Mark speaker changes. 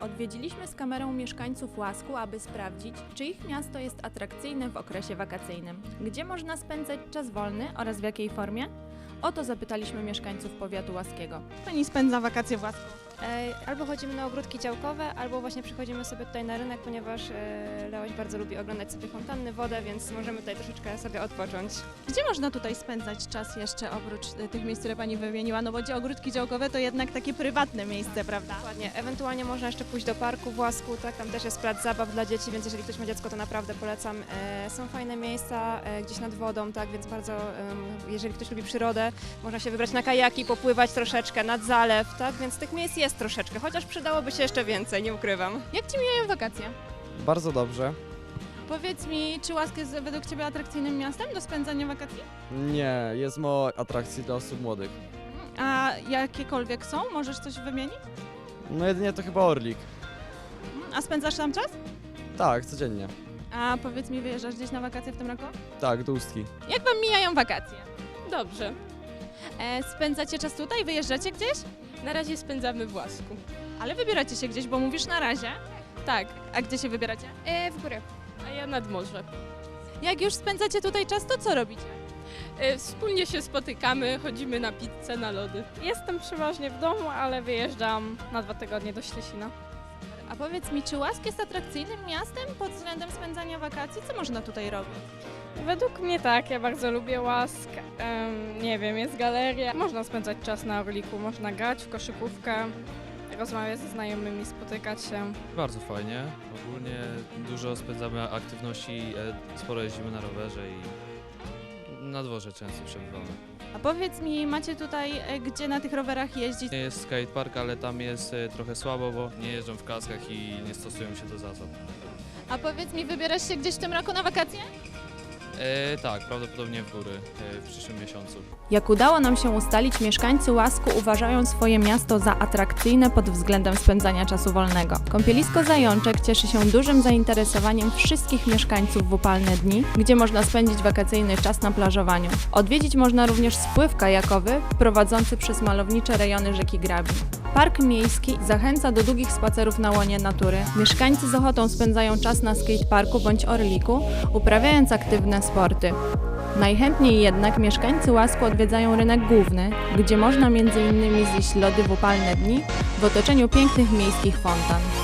Speaker 1: Odwiedziliśmy z kamerą mieszkańców Łasku, aby sprawdzić, czy ich miasto jest atrakcyjne w okresie wakacyjnym, gdzie można spędzać czas wolny oraz w jakiej formie? O to zapytaliśmy mieszkańców powiatu łaskiego. Pani spędza wakacje w Łasku?
Speaker 2: Albo chodzimy na ogródki działkowe, albo właśnie przychodzimy sobie tutaj na rynek, ponieważ Leoś bardzo lubi oglądać sobie fontanny, wodę, więc możemy tutaj troszeczkę sobie odpocząć.
Speaker 1: Gdzie można tutaj spędzać czas jeszcze oprócz tych miejsc, które Pani wymieniła? No bo ogródki działkowe to jednak takie prywatne miejsce, prawda?
Speaker 2: Dokładnie. Ewentualnie można jeszcze pójść do parku w Łasku, tak? Tam też jest plac zabaw dla dzieci, więc jeżeli ktoś ma dziecko, to naprawdę polecam. Są fajne miejsca gdzieś nad wodą, tak? Więc bardzo, jeżeli ktoś lubi przyrodę, można się wybrać na kajaki, popływać troszeczkę nad zalew, tak? Więc tych miejsc jest troszeczkę, chociaż przydałoby się jeszcze więcej, nie ukrywam.
Speaker 1: Jak Ci mijają wakacje?
Speaker 3: Bardzo dobrze.
Speaker 1: Powiedz mi, czy Łask jest według Ciebie atrakcyjnym miastem do spędzania wakacji?
Speaker 3: Nie, jest mało atrakcji dla osób młodych.
Speaker 1: A jakiekolwiek są? Możesz coś wymienić?
Speaker 3: No jedynie to chyba Orlik.
Speaker 1: A spędzasz tam czas?
Speaker 3: Tak, codziennie.
Speaker 1: A powiedz mi, wyjeżdżasz gdzieś na wakacje w tym roku?
Speaker 3: Tak, do Ustki.
Speaker 1: Jak Wam mijają wakacje?
Speaker 4: Dobrze.
Speaker 1: Spędzacie czas tutaj? Wyjeżdżacie gdzieś?
Speaker 4: Na razie spędzamy w Łasku.
Speaker 1: Ale wybieracie się gdzieś, bo mówisz na razie.
Speaker 4: Tak,
Speaker 1: A gdzie się wybieracie?
Speaker 2: W górę.
Speaker 4: a ja nad morze.
Speaker 1: Jak już spędzacie tutaj czas, to co robicie?
Speaker 4: Wspólnie się spotykamy, chodzimy na pizzę, na lody.
Speaker 5: Jestem przeważnie w domu, ale wyjeżdżam na 2 tygodnie do Ślesina.
Speaker 1: A powiedz mi, czy Łask jest atrakcyjnym miastem pod względem spędzania wakacji? Co można tutaj robić?
Speaker 5: Według mnie tak, ja bardzo lubię Łask. Nie wiem, jest galeria. Można spędzać czas na Orliku, można grać w koszykówkę, rozmawiać ze znajomymi, spotykać się.
Speaker 6: Bardzo fajnie. Ogólnie dużo spędzamy aktywności, sporo jeździmy na rowerze i na dworze często przebywamy.
Speaker 1: A powiedz mi, macie tutaj gdzie na tych rowerach jeździć?
Speaker 6: Nie jest skatepark, ale tam jest trochę słabo, bo nie jeżdżą w kaskach i nie stosują się do zasad.
Speaker 1: A powiedz mi, wybierasz się gdzieś w tym roku na wakacje?
Speaker 6: Tak, prawdopodobnie w góry w przyszłym miesiącu.
Speaker 1: Jak udało nam się ustalić, mieszkańcy Łasku uważają swoje miasto za atrakcyjne pod względem spędzania czasu wolnego. Kąpielisko Zajączek cieszy się dużym zainteresowaniem wszystkich mieszkańców w upalne dni, gdzie można spędzić wakacyjny czas na plażowaniu. Odwiedzić można również spływ kajakowy prowadzący przez malownicze rejony rzeki Grabi. Park miejski zachęca do długich spacerów na łonie natury. Mieszkańcy z ochotą spędzają czas na skateparku bądź Orliku, uprawiając aktywne sporty. Najchętniej jednak mieszkańcy Łasku odwiedzają rynek główny, gdzie można m.in. zjeść lody w upalne dni w otoczeniu pięknych miejskich fontan.